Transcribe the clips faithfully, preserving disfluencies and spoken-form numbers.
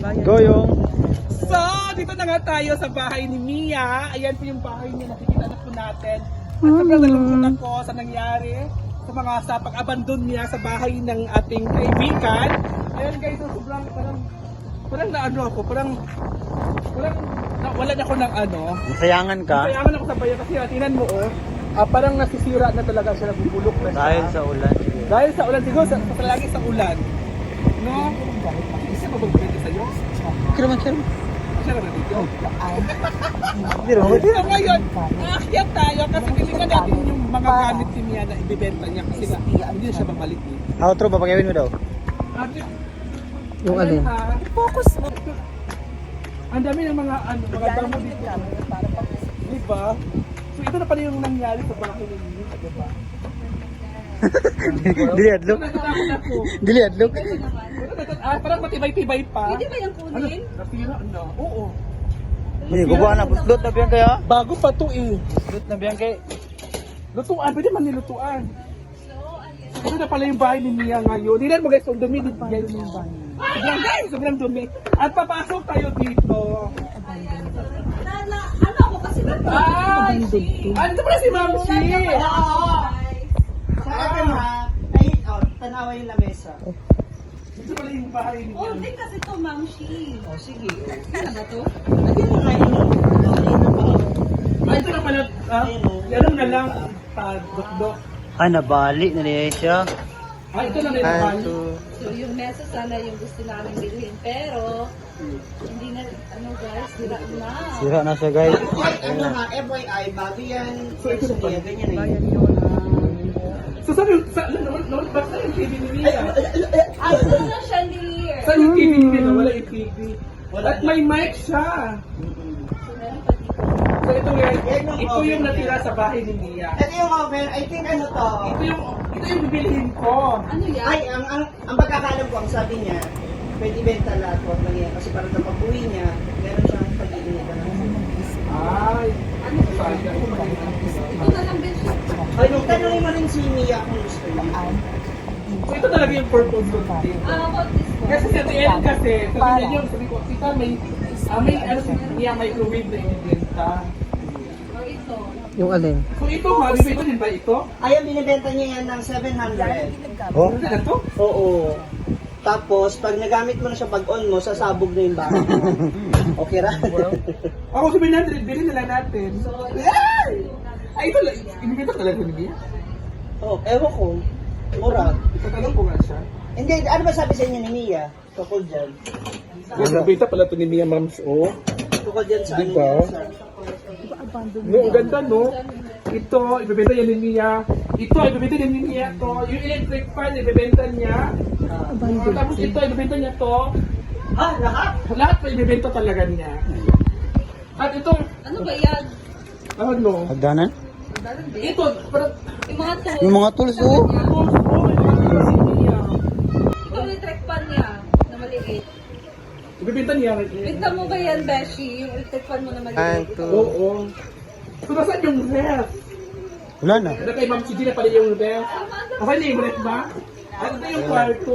Go yung. So, dito na nga tayo sa bahay ni Mia. Ayan po yung bahay niya, nakikita na po natin. At sobrang nalungkot ako sa nangyari sa mga sa pag-abandon niya sa bahay ng ating kaibigan. Ayan guys, so sobrang parang parang naano ako, parang parang nawalan ako ng ano. Masayangan ka. Kayangan ako sa bayan kasi ah, tingnan mo oh, ah, parang nasisira na talaga siya, nabubulok na siya. Dahil sa ulan. Dahil sa ulan, siguro sa, sa lagi sa ulan. No? Isa ba magpwede sa'yo? Kira man, kira man. Siya naman dito. Hindi rin. So ngayon, aakyat tayo kasi titingnan natin yung mga gamit ni Mia na ibibenta niya kasi nga, hindi na siya babalik eh. Outro, papagawin mo daw. Ate, Yung ayan alin? ha. Focus mo. Ang dami ng mga ano, mga damo dito. Diba? So ito na pala yung nangyari sa bahay ni Mia, diba? Dili adlok. Natatakot ako. Dili adlok. Ah, parang matibay-tibay pa. Pwede ba yung Ano? kunin? Nasira na. Oo. Hindi, gubuhan na. Puslot na biyan kaya. Bago pa to eh. Puslot na biyan kay. Lutuan, pwede man nilutuan. Ito na pala yung bahay ni Mia ngayon. Tingnan mo guys, ang dumi dito guys yung bahay. Sobrang guys, sobrang dumi. At papasok tayo dito. Na, na, ano ako kasi na Ay! Ano pala si Ma'am Chi? Saka na, ay, oh, tanawa yung lamesa. Ito pala yung bahay ni Oh, Mia. hindi kasi to, Ma'am Shi. O, sige. Ano ba to? Lagyan mo nga yun. Ayun na pa. Ay, ito na pala. Ah, yan na lang. Padok-dok. Ah, nabali na niya siya. Ah, ito na lang yung One, bahay. two. So, yung mesa sana yung gusto namin bilhin. Pero, hindi na, ano guys, sira na. Sira na siya guys. Ay, ano ha, F Y I, bago yan. So, ito na pala. Ganyan na yun. So, saan yung, sa, ano, naman, naman, bakit saan yung T V ni Mia? Ay, ito na chandelier. Saan yung T V ni Mia? Wala yung T V. Wala At may mic siya. So, meron pa dito. So, ito yung, Yan yung ito oven yung natira niya. sa bahay ni Mia. Ito yung oven, I think ano to. Ito yung, ito yung bibilihin ko. Ano yan? Ay, ang, ang, ang pagkakalam ko, ang sabi niya, pwede ibenta lahat, huwag lang yan. Kasi parang sa pag-uwi niya, meron siyang pag-iinitan. Ay, Ano to? Ito na lang din siya. Ay, nung tanongin mo rin si Mia kung gusto niya. so ito talaga yung purpose ko dito. Ah, about this one. Kasi sa T N kasi, sabi niya yung, sabi ko, tita may, ah, may, ano, si Mia microwave na ibibenta. Or ito. Yung alin? So ito, ha, bibenta din ba ito? Ayan, binibenta niya yan ng seven hundred. Oh? Ano na to? Oo. Tapos, pag nagamit mo na siya pag-on mo, sasabog na yung bahay mo. Okay ra? Ako sabi natin, bilhin na lang natin. Ay! Ay, ito lang, ibibenta talaga ni Mia? Oh, ewan ko. Mura. Itatanong ko nga siya. Hindi, ano ba sabi sa inyo ni Mia? Tukol dyan. Ibibenta pala ito ni Mia, ma'ams, oh. Tukol dyan sa Diba? ano yan, sa... No, ang ganda, no? Ito, ibebenta niya ni Mia. Ito, ibebenta niya ni Mia to. Yung electric fan, ibebenta niya. Uh, tapos ito, ibebenta niya to. Ah, lahat? Lahat pa ibebenta talaga niya. At itong, Ano ba yan? ano, Hagdanan? Dalan din. ito, parang, Yung mga tools. Yung mga tools oh. oh, oh, may mga tools si Mia. Ito yung electric fan niya na maliit. Ibebenta niya. Bigta mo ba yan, Beshi? Yung electric fan mo na One, maliit. two. Oo. So, nasaan yung ref? Wala na. Ano kay Ma'am Chidi na pala yung ref? Okay na yung ref ba? Ano na yung kwarto?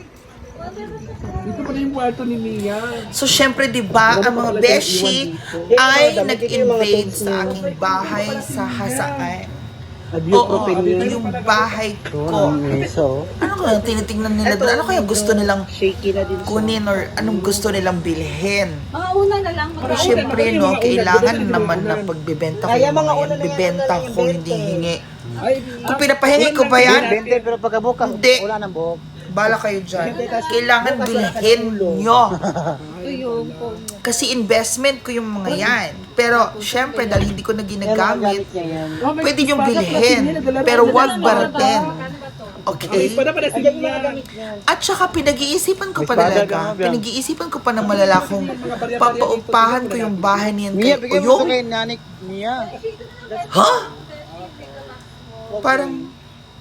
Dito pala yung kwarto ni Mia. So, syempre, di ba, ang mga beshi ay nag-invade sa aking bahay sa Hasaan. Oo, yung bahay ko. So, Ano kaya tinitingnan nila doon? Ano kaya gusto nilang Shaky na din siya. kunin or anong gusto nilang bilhin? Mga una na lang. Pero syempre, no, kailangan naman na pagbibenta ko Kaya yung mga mga una yan. na yan, Bibenta una na ko, yung hindi benta eh. hingi. Ay, Kung pinapahingi ko ba yan, bente pero pagkabukas, Hindi. wala nang buhok. bala kayo dyan. Kailangan bilhin nyo. Ito yung phone niya. Kasi investment ko yung mga yan. Pero, syempre, dahil hindi ko na ginagamit, niya yan. pwede yung bilhin. Pero wag baratin. Okay? Para para si Ayan yung Mia. mga gamit niya. At saka pinag-iisipan ko pa May espada talaga. ka, Biang. Pinag-iisipan ko pa ng malala kung papaupahan ko yung bahay niyan Mia, kay bigyan mo ito Uyong. kay Nanik Mia. Ha? Parang,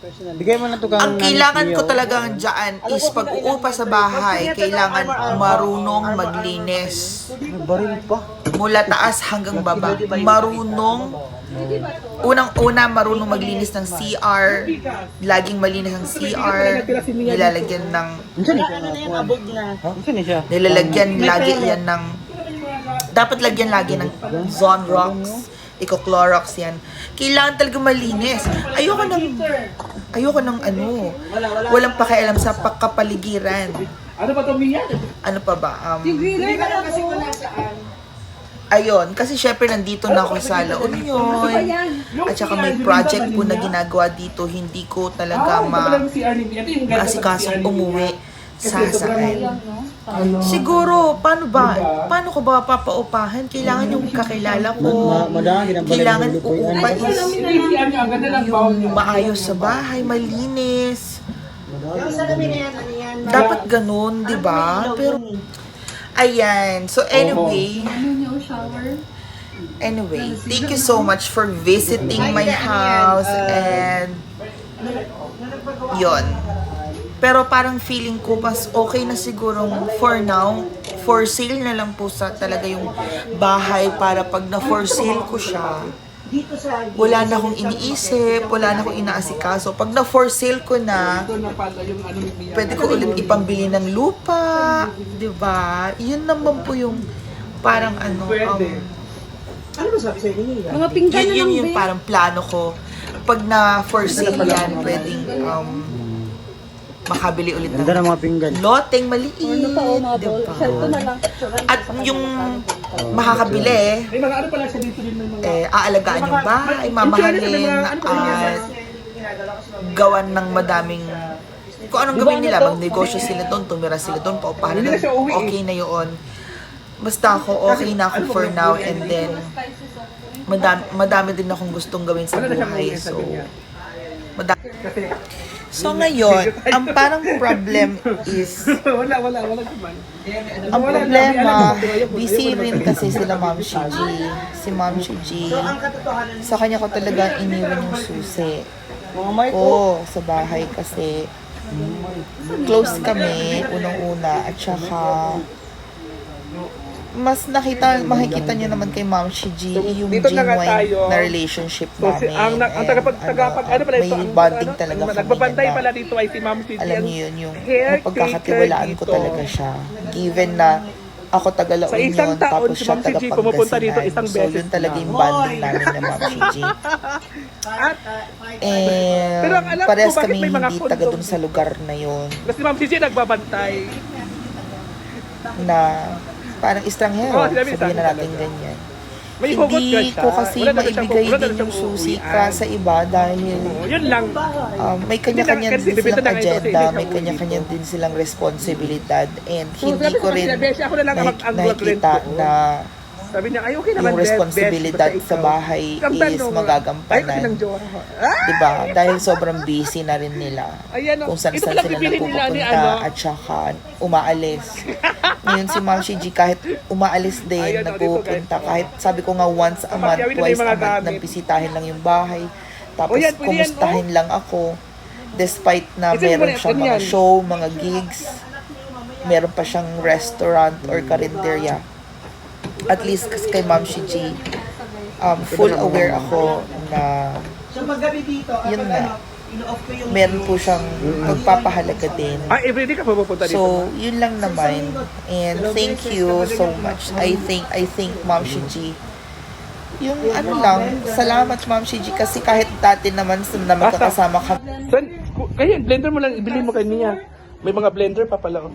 Bigay mo na to kang Ang kailangan ko talagang dyan is pag-uupa sa bahay, kailangan marunong maglinis. Baril pa. Mula taas hanggang baba. Marunong, unang-una marunong maglinis ng C R, laging malinis ang C R, nilalagyan ng, Minsan eh. Ano na yung abog na? Ha? Minsan eh siya. nilalagyan lagi yan ng, dapat lagyan lagi ng Zonrox, Eco-Clorox yan. Kailangan talaga malinis. Ayoko ng, ayoko ng ano, walang pakialam sa pagkapaligiran. Ano ba ito, Mia? Ano pa ba? Um, Hindi ka lang kasi kung nasaan. ayun, kasi syempre nandito na ako sa La Union. At saka may project po na ginagawa dito. Hindi ko talaga ma maasikasong umuwi sa saan. Siguro, paano ba? Paano ko ba papaupahan? Kailangan yung kakilala ko. Ma- madami ginambala Kailangan yung lutuan. uupa is yung maayos sa bahay, malinis. Yung salamin na yan, ano yan? Dapat ganun, di ba? Pero, ayan. So, anyway, Ano niyo, shower? anyway, thank you so much for visiting my house and yon. Pero parang feeling ko mas okay na sigurong for now, for sale na lang po sa talaga yung bahay para pag na for sale ko siya, Dito sa... wala na akong iniisip, wala na akong inaasikaso. Pag na for sale ko na, pwede ko ulit ipambili ng lupa, di ba? Yun naman po yung parang ano, um, Ano ba sabi sa'yo ni Mia? Mga pinggan yun, na yun lang, yung be. parang plano ko. Pag na for sale yan, pwedeng um, makabili ulit ng Ganda ng mga pinggan. loteng maliit, Ano pa, oh, mga di ball. ba? Cellphone na lang. At yung makakabili, May mga ano pala siya dito din ng mga... eh, aalagaan yung bahay, mamahalin, at gawan ng madaming, kung anong gawin nila, magnegosyo sila doon, tumira sila doon, paupahan na, okay na yun. Basta ako, okay na ako for now, and then, madami, madami din akong gustong gawin sa buhay, so, madami. So ngayon, ang parang problem is, Wala, wala, wala naman. ang problema, busy rin kasi sila Ma'am Shi G. Si Ma'am Shi G, Ang katotohanan sa kanya ko talaga iniwan yung susi Mga mic ko ko. sa bahay kasi close kami, unang-una, at saka mas nakita, makikita niyo naman kay Ma'am Shi G yung Dito na nga genuine tayo. na relationship So, si, namin. ang, ang, ang And, tagapag, tagapag, ano pala ito? may ang- bonding ano, talaga ang kami Nagbabantay na- pala dito ay si Ma'am Cindy. alam ang- niyo yun, yung caretaker pagkakatiwalaan ko dito. talaga siya. Given na ako taga La Sa isang Union, taon, tapos si siya Ma'am taga Gigi pumupunta dito Pangasinan. isang So, beses yun talaga na. yung bonding namin na Ma'am Gigi. At, And Pero ang alam ko, parehas bakit kami may mga hindi taga kondom? dun sa lugar na yun kasi Ma'am Cindy nagbabantay. na parang estranghero, Oo, sinabi ni sabihin na Sandra natin talaga. ganyan. May hugot ka Hindi siya. ko kasi Wala na siyang- maibigay wala na din siyang yung susi uuwian. ka sa iba dahil Oo, yun lang. um, may kanya-kanya Hindi na- din kasi silang bibenta na ito kasi agenda, hindi siya may uuwi kanya-kanya dito. din silang responsibilidad, and So, hindi sabi ko rin kasi, Beshi, ako na lang ang nakik- mag- ang mag-rent nakikita ko. na Sabi niya, ay okay naman, yung Beth, responsibilidad Beth, basta sa ikaw. bahay Ang is tanong, magagampanan. Ay, kasi ng jowa. Ah! Diba? Dahil sobrang busy na rin nila. Ayan, oh. Kung saan Ito saan pala sila pipili nila ni napupunta ano. at saka umaalis. Ngayon si Ma'am Shi G kahit umaalis din, Ayan, oh, dito, nagpupunta. guys. Kahit sabi ko nga once a month, Papakyawin na twice yung a mga month, gamit. nagbisitahin lang yung bahay. Tapos Oh, yan, pwede yan, kumustahin lang ako. Despite na Ito yung meron muna, siyang ito mga yan. show, mga gigs, meron pa siyang restaurant or karinderya. At least kasi kay Ma'am Shi G, um, full aware ako na So paggabi dito, Yun kapag nga. ano, ino-off ko yung... meron po siyang pagpapahalaga din. Ah, everyday ka pupunta dito. So, yun lang naman. And thank you so much. I think, I think Ma'am Shi G. Yung ano lang, salamat Ma'am Shi G kasi kahit dati naman na magkakasama ka. San, ku- kaya blender mo lang, ibili mo kay Mia. May mga blender pa pala. Oh.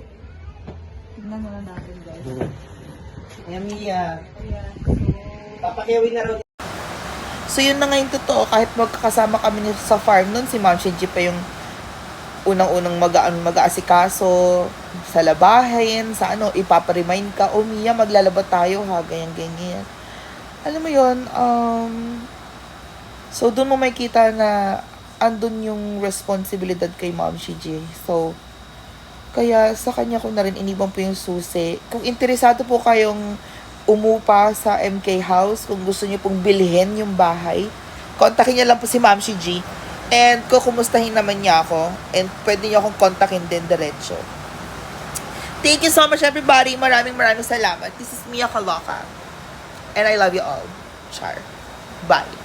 Ayan, Mia. Papakiyawin na raw. So yun na nga yung totoo, kahit magkakasama kami ni- sa farm nun, si Ma'am Shi G pa yung unang-unang mag-aan mag-aasikaso sa labahin, sa ano, ipapa-remind ka, oh Mia, maglalaba tayo ha, ganyan-ganyan. Alam mo yun, um, so doon mo makikita na andun yung responsibilidad kay Ma'am Shi G. So, kaya sa kanya ko na rin iniwan po yung susi. Kung interesado po kayong umupa sa M K House, kung gusto niyo pong bilhin yung bahay, kontakin niyo lang po si Ma'am Shi G. And kukumustahin naman niya ako. And pwede niyo akong kontakin din diretso. Thank you so much, everybody. Maraming maraming salamat. This is Mia Kaloka. And I love you all. Char. Bye.